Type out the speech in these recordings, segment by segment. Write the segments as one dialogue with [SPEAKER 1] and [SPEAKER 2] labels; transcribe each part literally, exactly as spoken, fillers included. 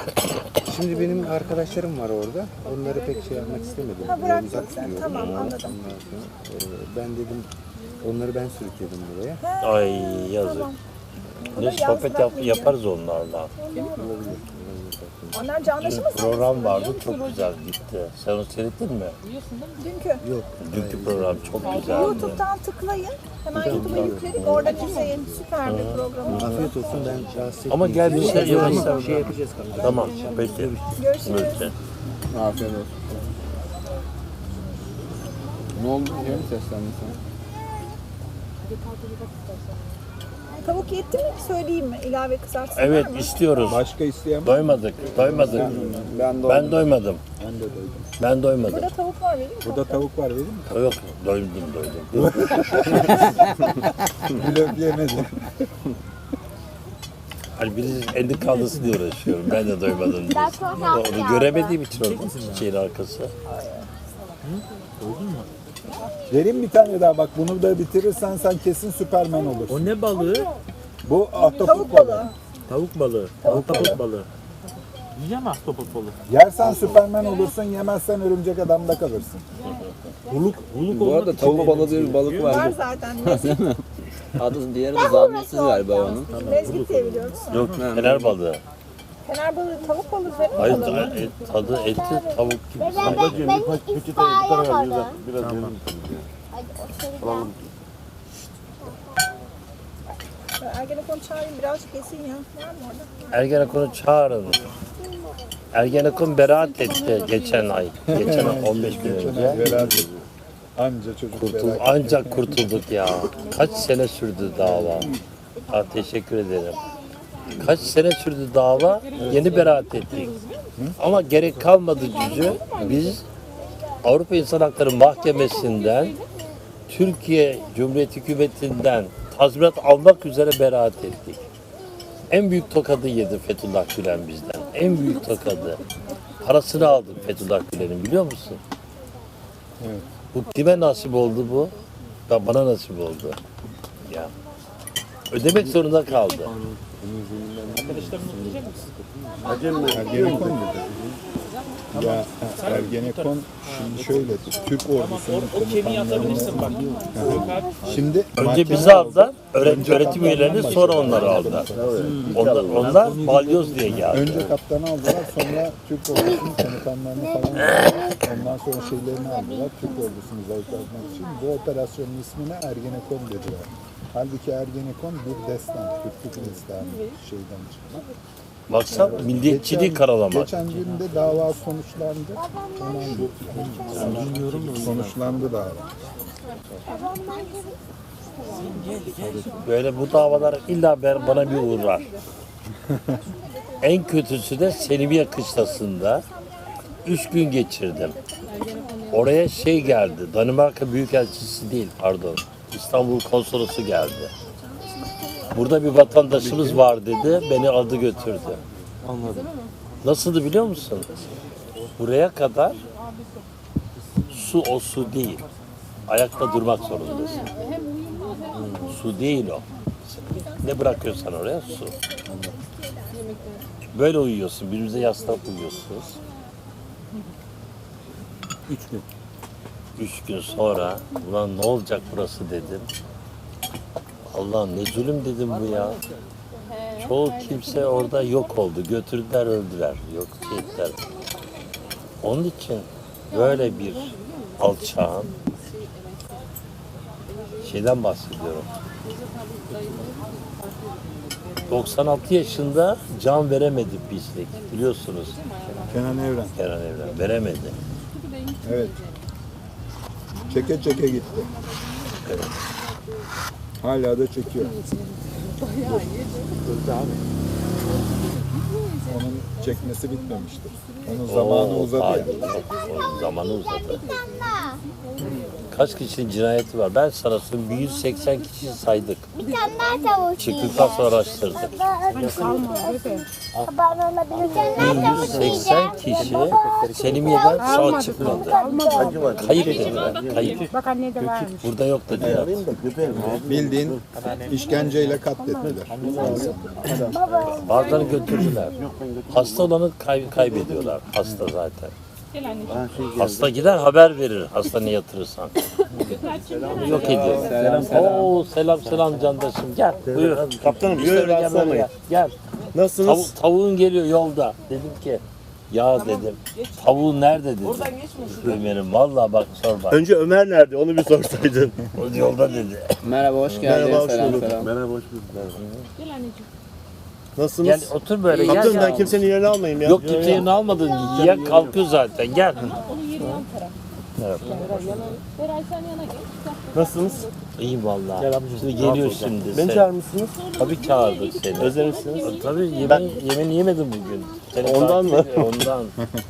[SPEAKER 1] Şimdi benim arkadaşlarım var orada. Onları pek şey yapmak istemedim.
[SPEAKER 2] Ha,
[SPEAKER 1] Biraz
[SPEAKER 2] bıraktın
[SPEAKER 1] uzak
[SPEAKER 2] sen.
[SPEAKER 1] tutuyorum.
[SPEAKER 2] Tamam,
[SPEAKER 1] Ondan
[SPEAKER 2] anladım.
[SPEAKER 1] sonra, e, ben dedim onları ben sürükledim buraya.
[SPEAKER 3] Ay yazık.
[SPEAKER 2] Tamam.
[SPEAKER 3] Ne
[SPEAKER 2] Yalnız
[SPEAKER 3] sohbet yap,
[SPEAKER 2] bırakmayayım
[SPEAKER 3] yaparız onlarla.
[SPEAKER 1] Olabilir. olabilir.
[SPEAKER 2] Onlar canlışı mı
[SPEAKER 3] Dün program vardı, çok güzel gitti. Sen onu seyrettin mi?
[SPEAKER 2] dünkü?
[SPEAKER 1] Yok.
[SPEAKER 3] Dünkü program çok güzeldi.
[SPEAKER 2] YouTube'dan tıklayın. Hemen YouTube'a yükledik. Oradan izleyin. Süper bir program.
[SPEAKER 1] Afiyet olsun, ben rahatsız
[SPEAKER 3] Ama gel bir şey
[SPEAKER 1] etmeyeyim.
[SPEAKER 3] yapalım.
[SPEAKER 1] Şey yapacağız kanka.
[SPEAKER 3] Tamam, peki.
[SPEAKER 2] Görüşürüz.
[SPEAKER 3] Peki.
[SPEAKER 4] Afiyet olsun. Ne oldu? Niye mi seslendin sen?
[SPEAKER 2] Tavuk yetti mi? Söyleyeyim mi? İlave kızartsın
[SPEAKER 3] Evet,
[SPEAKER 2] var mı?
[SPEAKER 3] istiyoruz.
[SPEAKER 4] Başka isteyen var mı?
[SPEAKER 3] Doymadık, doymadık.
[SPEAKER 4] Ben de
[SPEAKER 3] Ben doymadım.
[SPEAKER 4] Ben de doydum.
[SPEAKER 3] Ben doymadım.
[SPEAKER 2] Burada tavuk var vereyim mi?
[SPEAKER 4] Burada tavuk var vereyim mi?
[SPEAKER 3] Yok, doydum, doydum.
[SPEAKER 4] Blöf yemedim.
[SPEAKER 3] Hani birisi elini kaldırsın diye uğraşıyorum. Ben de doymadım diye. Onu göremediğim için orada çiçeğin arkası.
[SPEAKER 4] Vereyim bir tane daha bak, bunu da bitirirsen sen kesin Süpermen olursun.
[SPEAKER 5] O ne balığı?
[SPEAKER 4] Bu ahtapot
[SPEAKER 2] Tavuk
[SPEAKER 4] balığı.
[SPEAKER 2] balığı.
[SPEAKER 5] Tavuk balığı. Ahtapot balığı. Yiyeceğim mi ahtapot balığı?
[SPEAKER 4] Yersen Süpermen olursun, yemezsen örümcek adamda kalırsın.
[SPEAKER 5] Huluk, huluk
[SPEAKER 6] Bu arada tavuk balığı diye bir balık
[SPEAKER 2] Var
[SPEAKER 6] var.
[SPEAKER 2] zaten. Mezgit,
[SPEAKER 6] Adı diğeri de zahmetsiz galiba onun.
[SPEAKER 2] mezgit diye biliyoruz.
[SPEAKER 3] Yok, fener balığı.
[SPEAKER 2] Fener balığı, tavuk balığı, fener
[SPEAKER 3] Hayır,
[SPEAKER 2] balığı.
[SPEAKER 3] et, tadı eti tavuk gibi.
[SPEAKER 7] Ben, ben hiç itfaiye yapmadım.
[SPEAKER 2] Ergenekon çağırayım birazcık yesin ya. Var mı orada?
[SPEAKER 3] Ergenekon'u çağırın. Ergenekon beraat etti geçen ay. Geçen ay on beş gün önce.
[SPEAKER 4] Beraber. Anca çocuk
[SPEAKER 3] Kurtul,
[SPEAKER 4] beraber.
[SPEAKER 3] ancak kurtulduk ya. Kaç sene sürdü dava? Ha, teşekkür ederim. Kaç sene sürdü dava? Yeni beraat ettik. Ama gerek kalmadı cücü. Biz Avrupa İnsan Hakları Mahkemesi'nden, Türkiye Cumhuriyeti Hükümeti'nden tazminat almak üzere beraat ettik. En büyük tokadı yedi Fethullah Gülen bizden. En büyük tokadı. Parasını aldık Fethullah Gülen'in, biliyor musun?
[SPEAKER 4] Evet.
[SPEAKER 3] Bu kime nasip oldu bu? Ya bana nasip oldu. Ya. Ödemek zorunda kaldı.
[SPEAKER 4] Ergenekon dedi. Ya Ergenekon şimdi şöyle, Türk ordusunun komutanlarını... Şimdi
[SPEAKER 3] Önce bizi aldılar, öğret öğretim üyelerini, sonra onları aldılar. Onlar, onlar balyoz diye geldi.
[SPEAKER 4] Önce kaptanı aldılar, sonra Türk ordusunun komutanlarını falan aldılar. Ondan sonra şeylerini aldılar, Türk ordusunu zayıflatmak için. Bu operasyonun ismine Ergenekon dediler. Halbuki Ergenekon bir destan, Türklük destanı şeyden çıkma.
[SPEAKER 3] Baksan milliyetçiliği
[SPEAKER 4] Geçen-
[SPEAKER 3] karalamak.
[SPEAKER 4] Geçen gün de dava sonuçlandı. Onu anlatıyorum. Sonuçlandı dava.
[SPEAKER 3] Böyle bu davalar illa ben- bana bir uğrar. En kötüsü de Selimiye Kışlası'nda üç gün geçirdim. Oraya şey geldi, Danimarka Büyükelçisi değil, pardon, İstanbul Konsolosu geldi. Burada bir vatandaşımız var dedi, beni aldı götürdü.
[SPEAKER 1] Anladım.
[SPEAKER 3] Nasıldı biliyor musun? Buraya kadar su o su değil. Ayakta durmak zorundasın. Su değil o. Ne bırakıyorsan oraya su. Böyle uyuyorsun, birbirinize yaslanıp uyuyorsunuz.
[SPEAKER 1] Üç gün.
[SPEAKER 3] Üç gün sonra, ulan ne olacak burası dedim. Allah'ım ne zulüm dedim bu ya. Çoğu kimse orada yok oldu. Götürdüler, öldüler. Yok ettiler. Onun için böyle bir alçağın şeyden bahsediyorum. doksan altı yaşında can veremedi pislik. Biliyorsunuz
[SPEAKER 4] Kenan Evren.
[SPEAKER 3] Kenan Evren. Veremedi.
[SPEAKER 4] Evet. Çeke çeke gitti. Hala da çekiyor. Onun çekmesi bitmemiştir. Onun zamanı
[SPEAKER 3] Oo,
[SPEAKER 4] uzadı ya.
[SPEAKER 3] hayır, o zamanı uzadı. Kaç kişinin cinayeti var? Ben sana söyleyeyim, bir yüz seksen kişi saydık.
[SPEAKER 7] Bir tane daha tavuk
[SPEAKER 3] Çıktıktan sonra araştırdık.
[SPEAKER 7] Haber olabilir. Bir tane daha tavuk
[SPEAKER 3] yüz seksen kişi Selimiye'den sağ çıkmadı. Kayıp dediler. Kayıp.
[SPEAKER 2] Bak anne de varmış.
[SPEAKER 3] Burada yok dediler.
[SPEAKER 4] Bildiğin işkenceyle katlettiler.
[SPEAKER 3] Bazılarını götürdüler. Hasta olanı kay- kaybediyorlar. Hasta zaten. Hasta gider haber verir hastaneye yatırırsan. Yok ediyor.
[SPEAKER 6] Selam selam.
[SPEAKER 3] Oo selam selam candaşım gel. Buyur.
[SPEAKER 5] Kaptanım
[SPEAKER 3] İşte
[SPEAKER 5] buyurun
[SPEAKER 3] gel,
[SPEAKER 5] rahatsız
[SPEAKER 3] böyle
[SPEAKER 5] olmayın.
[SPEAKER 3] gel. Gel.
[SPEAKER 5] Nasılsınız?
[SPEAKER 3] Tavu- tavuğun geliyor yolda. Dedim ki ya dedim tavuğun nerede dedim. Ömer'im vallahi bak sor bak.
[SPEAKER 5] Önce Ömer nerede? Onu bir sorsaydın.
[SPEAKER 3] O yolda dedi.
[SPEAKER 6] Merhaba hoş geldin.
[SPEAKER 5] Merhaba, hoş
[SPEAKER 6] selam
[SPEAKER 5] bulduk.
[SPEAKER 6] selam.
[SPEAKER 5] Merhaba, hoş bulduk. Merhaba.
[SPEAKER 3] Gel
[SPEAKER 5] Nasılsınız?
[SPEAKER 3] otur böyle gel.
[SPEAKER 5] Kaptanım ben
[SPEAKER 3] ya.
[SPEAKER 5] kimsenin yerini almayayım ya.
[SPEAKER 3] Yok kimseyi almadın. Yiyen kalkıyor zaten. Gel.
[SPEAKER 5] Nasılsınız?
[SPEAKER 3] İyi vallahi.
[SPEAKER 5] Gel abicim.
[SPEAKER 3] Şimdi geliyor şimdi.
[SPEAKER 5] Beni
[SPEAKER 3] sen.
[SPEAKER 5] çağırmışsınız.
[SPEAKER 3] Tabii çağırdık seni.
[SPEAKER 5] Özlemişsiniz.
[SPEAKER 3] Tabii yemeği, yemeğini yemedim bugün. Seni
[SPEAKER 5] Ondan
[SPEAKER 3] takip
[SPEAKER 5] mı?
[SPEAKER 3] ediyor, Ondan.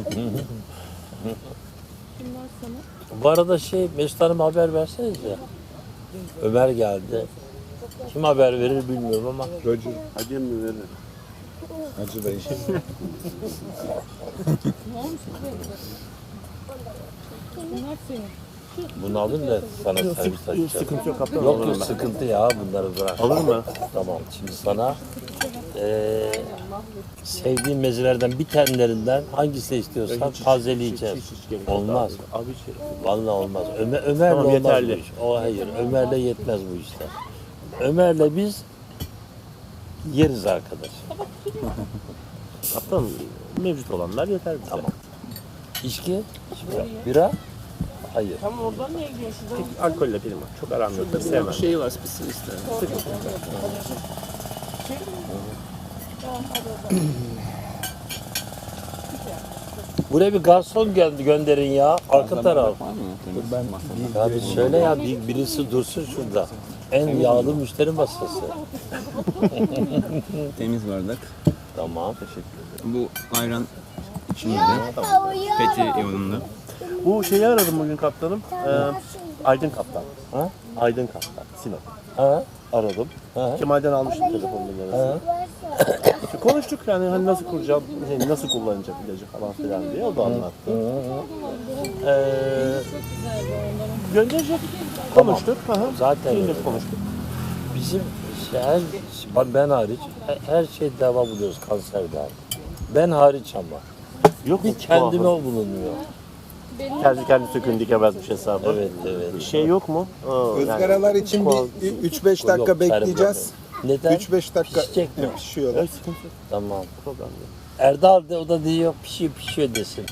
[SPEAKER 3] Bu arada şey Mesut Hanım'a haber versenize. Ömer geldi. Kim haber verir bilmiyorum ama.
[SPEAKER 4] Roger,
[SPEAKER 5] Hadi mi verin?
[SPEAKER 4] Hacı Bey.
[SPEAKER 3] Bunu alın da sana servis açacağım.
[SPEAKER 5] Sıkıntı yok kaptanım.
[SPEAKER 3] Yok
[SPEAKER 5] alırım
[SPEAKER 3] yok
[SPEAKER 5] ben.
[SPEAKER 3] sıkıntı ya bunları bırak.
[SPEAKER 5] Alırım ben.
[SPEAKER 3] Tamam şimdi sana eee sevdiğin mezelerden bir tanelerinden hangisini istiyorsan tazeleyeceğiz.
[SPEAKER 5] Hiç, hiç gerek yok
[SPEAKER 3] Olmaz.
[SPEAKER 5] Abi hiç gerek yok.
[SPEAKER 3] Vallahi olmaz. Ömer, Ömer'le
[SPEAKER 5] Tamam,
[SPEAKER 3] olmaz
[SPEAKER 5] yeterli.
[SPEAKER 3] bu iş. O hayır. Ömer'le yetmez bu işler. Ömer'le biz yeriz arkadaş.
[SPEAKER 5] Kaptanım mevcut olanlar yeter bize.
[SPEAKER 3] Tamam. İçki? Bira. Bira? Hayır.
[SPEAKER 5] Tek alkolle benim var. Çok aram yok. Tabii sevmem.
[SPEAKER 6] Şey var spesifik.
[SPEAKER 3] Buraya bir garson gö- gönderin ya. Arka taraf.
[SPEAKER 6] Var mı?
[SPEAKER 4] Ben
[SPEAKER 3] Ya bir söyle ya bir, birisi dursun şurada. En yağlı müşteri masası.
[SPEAKER 6] Temiz bardak.
[SPEAKER 3] Tamam.
[SPEAKER 6] Bu ayran içinde. Fethi yolunda.
[SPEAKER 5] Bu şeyi aradım bugün kaptanım. Ee, Aydın Kaptan.
[SPEAKER 3] Ha?
[SPEAKER 5] Aydın Kaptan. Sinop.
[SPEAKER 3] Ha?
[SPEAKER 5] Aradım.
[SPEAKER 3] Ha?
[SPEAKER 5] Kemal'den almıştım telefon numarasını. İşte konuştuk yani hani nasıl kuracağım, şey, nasıl kullanacak ilacı falan filan diye o da anlattı. Ee, gönderecek. Konuştuk. Hı hı.
[SPEAKER 3] Zaten
[SPEAKER 5] Şimdi
[SPEAKER 3] öyle.
[SPEAKER 5] konuştuk.
[SPEAKER 3] Bizim şey, her, ben hariç her, her şey deva buluyoruz kanserden. Ben hariç ama.
[SPEAKER 5] Yok
[SPEAKER 3] Bir
[SPEAKER 5] mu?
[SPEAKER 3] kendime o bulunuyor.
[SPEAKER 5] Kendi kendi sökün dikemezmiş hesabı.
[SPEAKER 3] Evet evet.
[SPEAKER 5] Bir şey yok mu? Aa, yani
[SPEAKER 4] ızgaralar için bir üç beş dakika
[SPEAKER 3] Yok,
[SPEAKER 4] bekleyeceğiz.
[SPEAKER 3] Neden?
[SPEAKER 4] üç beş dakika
[SPEAKER 3] Pişecek mi?
[SPEAKER 4] pişiyorlar.
[SPEAKER 5] evet, sıkıntı yok.
[SPEAKER 3] Tamam.
[SPEAKER 5] Problem yok.
[SPEAKER 3] Erdal de o da diyor pişiyor pişiyor desin.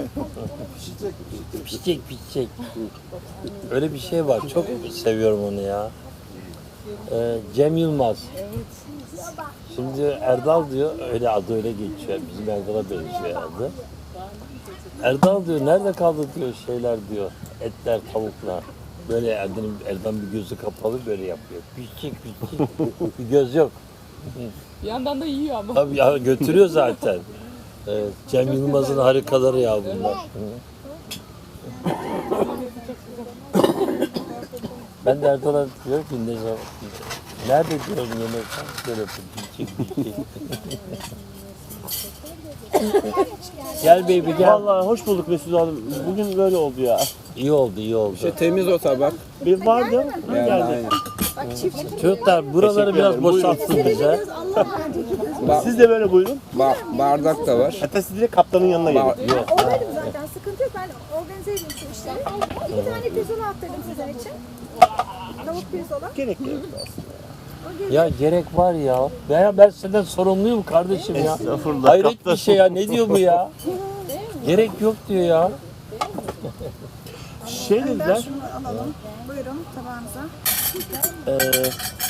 [SPEAKER 3] pişecek pişecek. Öyle bir şey var. Çok seviyorum onu ya. Ee, Cem Yılmaz. Şimdi Erdal diyor öyle adı öyle geçiyor. Bizim Erdal'a benziyor adı. Erdal diyor nerede kaldı diyor şeyler diyor. Etler, tavuklar. Böyle Erdal'ın Erdal bir gözü kapalı böyle yapıyor. Pişecek pişecek. Bir göz yok.
[SPEAKER 2] Bir yandan da yiyor ama.
[SPEAKER 3] Tabii ya götürüyor zaten. Evet, Cem Yılmaz'ın harikaları ya bunlar. Hı. Ben de Erdal'a diyorum ki ne zaman nerede diyorum yemekten böyle yapıyor. Gel baby gel.
[SPEAKER 5] Vallahi hoş bulduk Mesut Hanım. Bugün böyle oldu ya.
[SPEAKER 3] İyi oldu iyi oldu.
[SPEAKER 6] İşte temiz o tabak.
[SPEAKER 5] Bir vardı,
[SPEAKER 6] Yani
[SPEAKER 5] geldi.
[SPEAKER 6] aynen.
[SPEAKER 3] Çocuklar buraları biraz
[SPEAKER 5] ederim, buyurun.
[SPEAKER 3] boşalttın bize.
[SPEAKER 5] Siz de böyle buyurun.
[SPEAKER 6] Ba- bardak da var.
[SPEAKER 5] Hatta siz direkt kaptanın yanına gelin.
[SPEAKER 6] Ba-
[SPEAKER 2] Oradaydım zaten. Sıkıntı yok. Ben organize edeyim şu işleri. İki tane pirzola attırdım sizin için. Tavuk pirzola.
[SPEAKER 5] Gerek yok aslında.
[SPEAKER 3] Ya gerek var ya. Ya ben senden sorumluyum kardeşim ya.
[SPEAKER 5] Estağfurullah,
[SPEAKER 3] Hayret
[SPEAKER 5] kaptan.
[SPEAKER 3] bir şey ya. Ne diyor bu ya? Gerek yok diyor ya.
[SPEAKER 5] Şey dediler,
[SPEAKER 2] Şunu alalım. Buyurun tabağınıza.
[SPEAKER 5] eee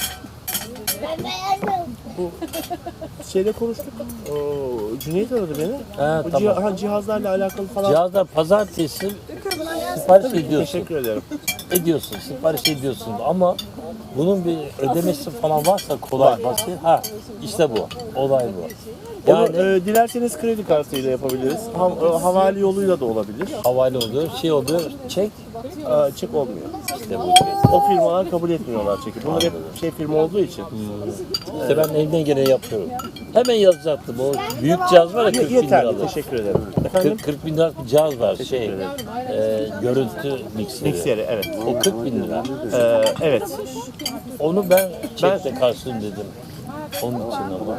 [SPEAKER 5] şeyle konuştuk. Oo, Cüneyt aradı beni.
[SPEAKER 3] Ha,
[SPEAKER 5] Bu
[SPEAKER 3] tamam.
[SPEAKER 5] cih- ha, cihazlarla alakalı falan.
[SPEAKER 3] Cihazlar pazartesi sipariş ediyorsun.
[SPEAKER 5] Teşekkür ederim.
[SPEAKER 3] Ediyorsun, sipariş ediyorsun ama bunun bir ödemesi falan varsa kolay basit. Ha işte bu. Olay bu.
[SPEAKER 5] Onu
[SPEAKER 3] Yani
[SPEAKER 5] e, dilerseniz kredi kartıyla yapabiliriz. Ha, e, havale yoluyla da olabilir.
[SPEAKER 3] havale oluyor, şey oluyor, çek
[SPEAKER 5] E, çek olmuyor.
[SPEAKER 3] işte bu şey.
[SPEAKER 5] O firmalar kabul etmiyorlar çeki. Bunlar hep şey firma olduğu için.
[SPEAKER 3] İşte ben elimden geleni yapıyorum. Hemen yazacaktım. O büyük cihaz var ya kırk bin
[SPEAKER 5] Yeterli.
[SPEAKER 3] liralık.
[SPEAKER 5] Teşekkür ederim. Efendim?
[SPEAKER 3] kırk, kırk bin liralık bir cihaz var. Şey, e, görüntü mikseri.
[SPEAKER 5] Mikseri, evet.
[SPEAKER 3] O kırk bin lira.
[SPEAKER 5] E, evet.
[SPEAKER 3] Onu ben çekle karşılayayım dedim. Onun için ama.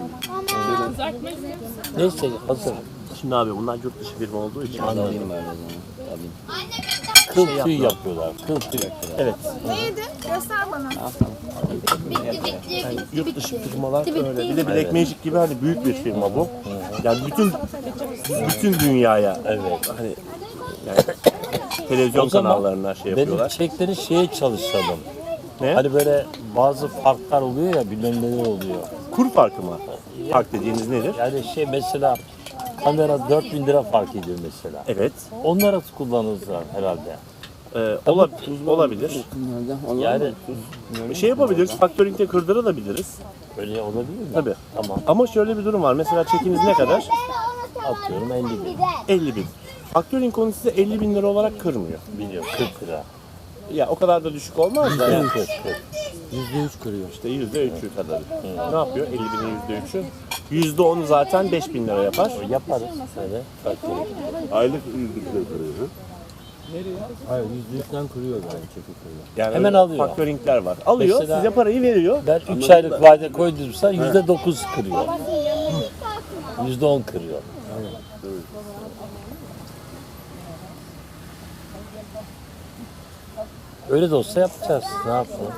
[SPEAKER 3] Neyse hazır.
[SPEAKER 5] Şimdi abi bunlar yurt dışı firma olduğu için.
[SPEAKER 3] Anladım. Kıl tüyü yapıyorlar. Kıl tüyü.
[SPEAKER 5] Evet.
[SPEAKER 2] Neydi? Göster bana.
[SPEAKER 5] Yani yurt dışı firmalar öyle. Bir de Black Magic gibi hani büyük bir firma bu. Yani bütün bütün dünyaya
[SPEAKER 3] Evet.
[SPEAKER 5] hani yani televizyon
[SPEAKER 3] O zaman
[SPEAKER 5] kanallarına şey
[SPEAKER 3] Benim
[SPEAKER 5] yapıyorlar.
[SPEAKER 3] çekleri şeye çalışalım.
[SPEAKER 5] Ne?
[SPEAKER 3] Hani böyle bazı farklar oluyor ya, bilmem neler oluyor.
[SPEAKER 5] Kur farkı mı? Fark dediğiniz nedir?
[SPEAKER 3] Yani şey mesela kamera dört bin lira fark ediyor mesela.
[SPEAKER 5] Evet.
[SPEAKER 3] Onları kullanırlar herhalde.
[SPEAKER 5] Ee, ola- olabilir.
[SPEAKER 3] Yani
[SPEAKER 5] Şey yapabiliriz. Factoring'de kırdırabiliriz.
[SPEAKER 3] öyle olabilir mi?
[SPEAKER 5] Tabii.
[SPEAKER 3] Tamam.
[SPEAKER 5] Ama şöyle bir durum var. Mesela çekiniz ne kadar?
[SPEAKER 3] Atıyorum elli bin.
[SPEAKER 5] elli bin. Factoring onu size elli bin lira olarak kırmıyor.
[SPEAKER 3] Biliyorum kırk lira.
[SPEAKER 5] Ya o kadar da düşük olmaz da. Yani.
[SPEAKER 3] kırk kırk.
[SPEAKER 5] yüzde üç kırıyor. İşte yüzde üçü kadar. Ne yapıyor? elli binin yüzde üçü. yüzde onu zaten beş bin lira yapar.
[SPEAKER 3] Yaparız öyle. Factoring.
[SPEAKER 8] Aylık yüzlükle kırıyor.
[SPEAKER 9] Hayır yüzde üçten kırıyor yani çekik kırıyor.
[SPEAKER 5] Yani
[SPEAKER 3] Hemen
[SPEAKER 5] öyle
[SPEAKER 3] alıyor.
[SPEAKER 5] Factoringler var. Alıyor,
[SPEAKER 3] Mesela-
[SPEAKER 5] size parayı veriyor.
[SPEAKER 3] Ben üç aylık vade koydumsa yüzde dokuz kırıyor. Yüzde on kırıyor. Öyle de olsa yapacağız. Ne yapalım?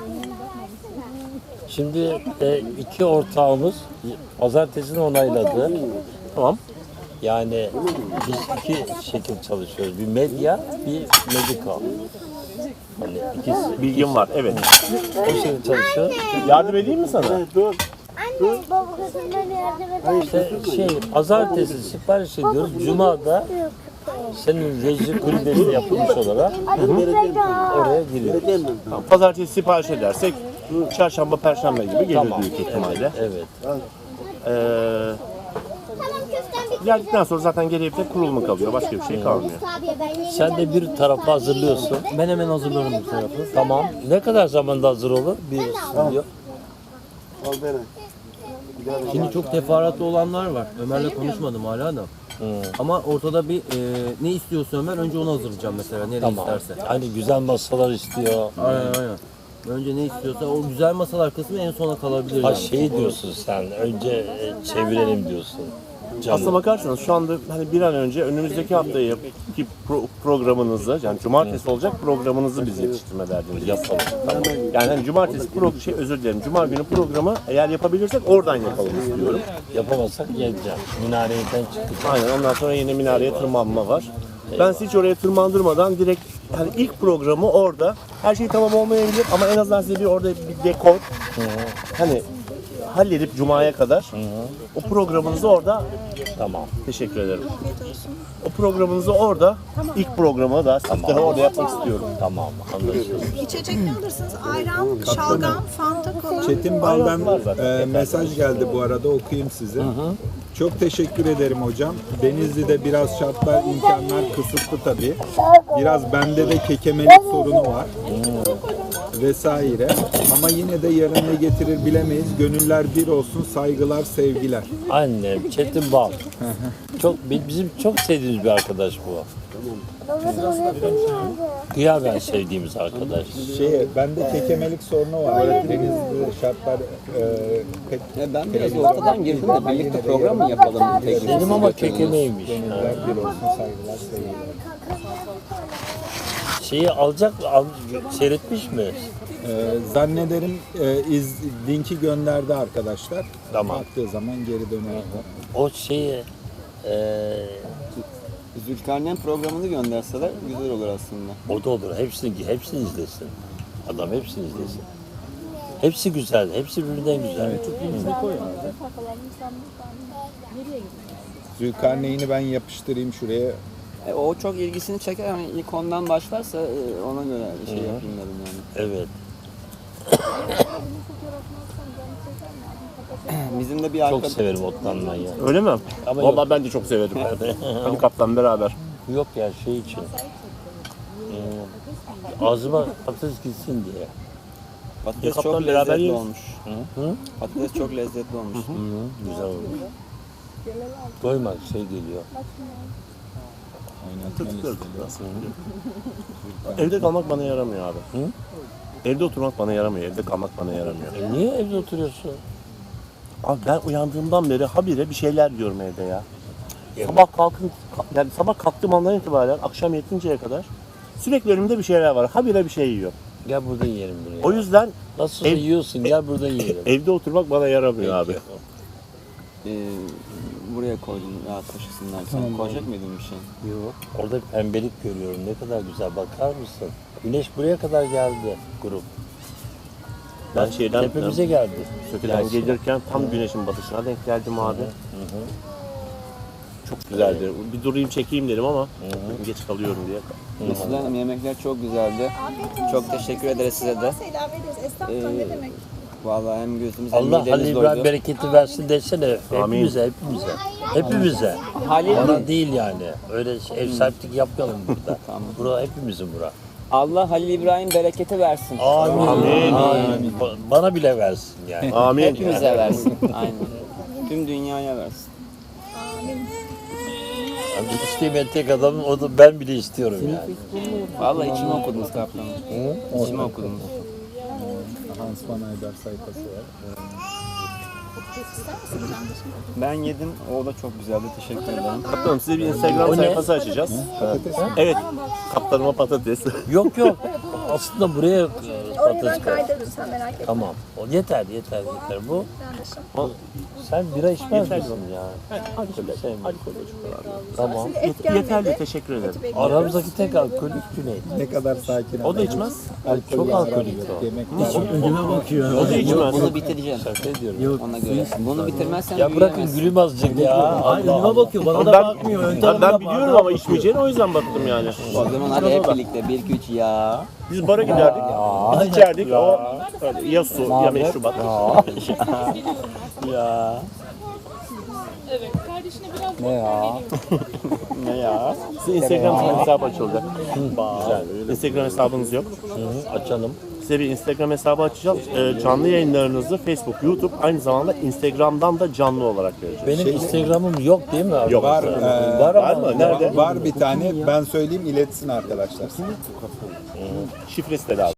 [SPEAKER 3] Şimdi e, iki ortağımız pazartesini onayladı.
[SPEAKER 5] Tamam.
[SPEAKER 3] Yani biz iki şekil çalışıyoruz. Bir medya, bir medical. Hani ikisi
[SPEAKER 5] Bilgim var, evet.
[SPEAKER 3] o şekilde çalışıyor.
[SPEAKER 5] Yardım edeyim mi sana?
[SPEAKER 7] Anne baba kızımdan yardım eder.
[SPEAKER 3] İşte şey pazartesi sipariş ediyoruz. Cuma'da senin reji kulübesi yapılmış olarak oraya giriyoruz.
[SPEAKER 5] Tamam. Pazartesi sipariş edersek çarşamba, perşembe gibi gelir
[SPEAKER 3] Tamam.
[SPEAKER 5] büyük ihtimalle.
[SPEAKER 3] Evet.
[SPEAKER 5] Ee, geldikten sonra zaten geriye bir tek kurulumu kalıyor. Başka bir şey kalmıyor.
[SPEAKER 3] Sen de bir tarafı hazırlıyorsun.
[SPEAKER 9] Ben hemen hazırlarım bu tarafı.
[SPEAKER 3] Tamam. Ne kadar zamanda hazır olur bir stüdyo?
[SPEAKER 9] Şimdi çok teferruatlı olanlar var. Ömer'le konuşmadım hala da. Ama ortada bir e, ne istiyorsa Ömer önce onu hazırlayacağım mesela nereye
[SPEAKER 3] Tamam.
[SPEAKER 9] isterse.
[SPEAKER 3] Hani güzel masalar istiyor.
[SPEAKER 9] Aynen aynen. Önce ne istiyorsa o güzel masalar kısmı en sona kalabilir
[SPEAKER 3] Ha
[SPEAKER 9] yani.
[SPEAKER 3] şey diyorsun sen. Önce e, çevirelim diyorsun.
[SPEAKER 5] Aslına
[SPEAKER 3] Canım.
[SPEAKER 5] bakarsanız şu anda hani bir an önce önümüzdeki haftaya ki pro- programınızı yani cumartesi olacak programınızı biz yetiştirme derdimiz yapalım. Tamam. Yani hani cumartesi pro şey özür dilerim. Cuma günü programı eğer yapabilirsek oradan yapalım istiyorum.
[SPEAKER 3] Yapamazsak geleceğim. Minareden çıkacağım.
[SPEAKER 5] Aynen ondan sonra yine minareye tırmanma var. Ben sizi hiç oraya tırmandırmadan direkt hani ilk programı orada her şey tamam olmayabilir ama en azından size bir orada bir dekor hani halledip Cuma'ya kadar o programınızı orada
[SPEAKER 3] Tamam.
[SPEAKER 5] teşekkür ederim. O programınızı orada ilk programı da siftahı orada yapmak istiyorum.
[SPEAKER 3] Tamam. Anlaşıldı.
[SPEAKER 2] İçecek ne alırsınız? Ayran, şalgam, fanta, kola.
[SPEAKER 4] Çetin Bal'dan e, mesaj geldi bu arada okuyayım size. Çok teşekkür ederim hocam. Denizli'de biraz şartlar, imkanlar kısıtlı tabii. Biraz bende de kekemelik sorunu var. Vesaire. Ama yine de yarın ne getirir bilemeyiz. Gönüller bir olsun. Saygılar, sevgiler.
[SPEAKER 3] Annem Çetin Bal. Çok bi- bizim çok sevdiğimiz bir arkadaş bu. Kıyamen sevdiğimiz arkadaş.
[SPEAKER 4] Şey, bende kekemelik sorunu var. Denizli'de şartlar e, pek
[SPEAKER 6] Ya ben biraz ortadan girdim de birlikte program mı yapalım? Tek
[SPEAKER 3] Dedim ama kekemeymiş.
[SPEAKER 4] gönüller bir olsun. Saygılar, sevgiler.
[SPEAKER 3] Şeyi alacak mı? Al, seyretmiş mi?
[SPEAKER 4] Ee, zannederim e, iz, linki gönderdi arkadaşlar.
[SPEAKER 3] Tamam.
[SPEAKER 4] Baktığı zaman geri döner.
[SPEAKER 3] O şeyi eee
[SPEAKER 6] Zülkarneyn programını gönderseler güzel olur aslında.
[SPEAKER 3] o da olur. Hepsini hepsini izlesin. Adam hepsini izlesin. Hepsi güzel. Hepsi birbirinden güzel.
[SPEAKER 4] Zülkarneyn'i ben yapıştırayım şuraya.
[SPEAKER 6] E, o çok ilgisini çeker ama ilk ondan başlarsa e, ona göre bir şey yapayım dedim yani.
[SPEAKER 3] Evet.
[SPEAKER 6] Bizim de bir
[SPEAKER 3] Çok
[SPEAKER 6] arkadaş...
[SPEAKER 3] severim otlanmayı.
[SPEAKER 5] Öyle mi?
[SPEAKER 3] Ama
[SPEAKER 5] Vallahi
[SPEAKER 3] yok.
[SPEAKER 5] ben de çok severim. Hadi kaptan beraber.
[SPEAKER 3] Yok ya şey için. Ee, ağzıma patates gitsin diye.
[SPEAKER 6] Patates
[SPEAKER 5] Kaptan
[SPEAKER 6] çok
[SPEAKER 5] beraber
[SPEAKER 6] lezzetli
[SPEAKER 5] yeriz.
[SPEAKER 6] olmuş.
[SPEAKER 3] Hı?
[SPEAKER 6] Patates çok lezzetli olmuş.
[SPEAKER 3] Hı, güzel olmuş. Doymak şey geliyor.
[SPEAKER 5] Evde kalmak bana yaramıyor abi.
[SPEAKER 3] Hı?
[SPEAKER 5] Evde oturmak bana yaramıyor, evde kalmak bana yaramıyor.
[SPEAKER 3] E niye evde oturuyorsun?
[SPEAKER 5] Abi ben uyandığımdan beri habire bir şeyler diyorum evde ya. Sabah kalkın, yani sabah kalktığım andan itibaren akşam yetinceye kadar sürekli önümde bir şeyler var. Habire bir şey yiyor.
[SPEAKER 3] Gel burada yiyelim buraya.
[SPEAKER 5] O yüzden
[SPEAKER 3] Nasıl
[SPEAKER 5] ev-
[SPEAKER 3] yiyorsun gel burada yiyelim.
[SPEAKER 5] evde oturmak bana yaramıyor abi.
[SPEAKER 6] Ee, buraya koydum ya taşısınlar. Sen koyacak mıydın bir şey?
[SPEAKER 3] Yok. Orada pembelik görüyorum. Ne kadar güzel. Bakar mısın? Güneş buraya kadar geldi grup.
[SPEAKER 5] Ben şeyden
[SPEAKER 3] Tepemize geldi.
[SPEAKER 5] Söke'den
[SPEAKER 3] Gelsin.
[SPEAKER 5] gelirken tam güneşin batışına denk geldim abi. Çok güzeldi. Bir durayım çekeyim dedim ama geç kalıyorum diye.
[SPEAKER 6] Neslihan Hanım yemekler çok güzeldi. Çok teşekkür ederiz size de.
[SPEAKER 2] Selam ederiz. Estağfurullah ne demek.
[SPEAKER 6] Vallahi hem gözümüz hem
[SPEAKER 3] Allah Halil
[SPEAKER 6] midemiz
[SPEAKER 3] İbrahim
[SPEAKER 6] doydu.
[SPEAKER 3] bereketi versin desene.
[SPEAKER 5] Amin.
[SPEAKER 3] Hepimize, hepimize. Hepimize.
[SPEAKER 6] Halil
[SPEAKER 3] Bana değil yani. Öyle ev sahiplik yapmayalım burada.
[SPEAKER 6] Tamam.
[SPEAKER 3] Bura hepimizin bura.
[SPEAKER 6] Allah Halil İbrahim bereketi versin.
[SPEAKER 3] Amin.
[SPEAKER 5] Amin.
[SPEAKER 3] Amin. Ba- Bana bile versin yani.
[SPEAKER 5] Amin.
[SPEAKER 6] Hepimize versin. Aynen. Tüm dünyaya versin.
[SPEAKER 3] Yani istemeyen tek adamım o da ben bile istiyorum yani.
[SPEAKER 6] Vallahi içimi okudunuz kaptanım. İçimi okudunuz.
[SPEAKER 4] Hans Van Eyder sayfası var.
[SPEAKER 6] Ben yedim. O da çok güzeldi. Teşekkür ederim.
[SPEAKER 5] Kaptanım size bir Instagram
[SPEAKER 3] O ne?
[SPEAKER 5] sayfası açacağız. Evet. Kaptanıma patates.
[SPEAKER 3] Yok yok. Aslında buraya e,
[SPEAKER 2] Oraya
[SPEAKER 3] patates
[SPEAKER 2] ben
[SPEAKER 3] koy.
[SPEAKER 2] kaydırırım sen merak etme.
[SPEAKER 3] Tamam. O yeter yeter yeter. Bu
[SPEAKER 2] Yanlışım.
[SPEAKER 3] sen bira içmez misin ya? Sevmiyorum. Tamam.
[SPEAKER 2] Et gelmedi.
[SPEAKER 5] Yeterli, teşekkür ederim.
[SPEAKER 3] Aramızdaki tek alkolik Cüneyt.
[SPEAKER 4] Ne kadar sakin.
[SPEAKER 5] O da içmez.
[SPEAKER 3] Çok alkolik o.
[SPEAKER 4] Yemek
[SPEAKER 9] Önüme bakıyor.
[SPEAKER 5] O da içmez.
[SPEAKER 6] Bunu bitireceğim.
[SPEAKER 3] Şaka ediyorum.
[SPEAKER 9] Yok.
[SPEAKER 6] Ona göre. Bunu bitirmezsen
[SPEAKER 3] Ya bırakın
[SPEAKER 6] büyüyemezsin.
[SPEAKER 3] gülüm azıcık ya.
[SPEAKER 9] Hayır
[SPEAKER 3] Allah
[SPEAKER 9] önüme bakıyor. Bana da
[SPEAKER 5] Ben,
[SPEAKER 9] bakmıyor. Ön
[SPEAKER 5] ben,
[SPEAKER 9] tarafına
[SPEAKER 5] ben biliyorum ama içmeyeceğini o yüzden baktım yani.
[SPEAKER 6] O zaman hadi hep birlikte. Bir, iki, üç ya.
[SPEAKER 5] Biz bara giderdik, biz içerdik. O öyle ya su ya meşrubat.
[SPEAKER 3] ya.
[SPEAKER 6] Ne ya?
[SPEAKER 5] Ne ya? Sizin Instagram hesabı açılacak. Güzel. Instagram hesabınız yok.
[SPEAKER 3] Hı, açalım.
[SPEAKER 5] Size bir Instagram hesabı açacağız. Ee, canlı yayınlarınızı Facebook, YouTube aynı zamanda Instagram'dan da canlı olarak vereceğiz.
[SPEAKER 3] Benim Instagram'ım yok değil mi abi?
[SPEAKER 5] Yok.
[SPEAKER 4] var. e,
[SPEAKER 3] Var
[SPEAKER 5] Var
[SPEAKER 3] ama
[SPEAKER 5] mı? Nerede?
[SPEAKER 4] var bir tane. Ben söyleyeyim iletsin arkadaşlar.
[SPEAKER 5] Şifresi de lazım.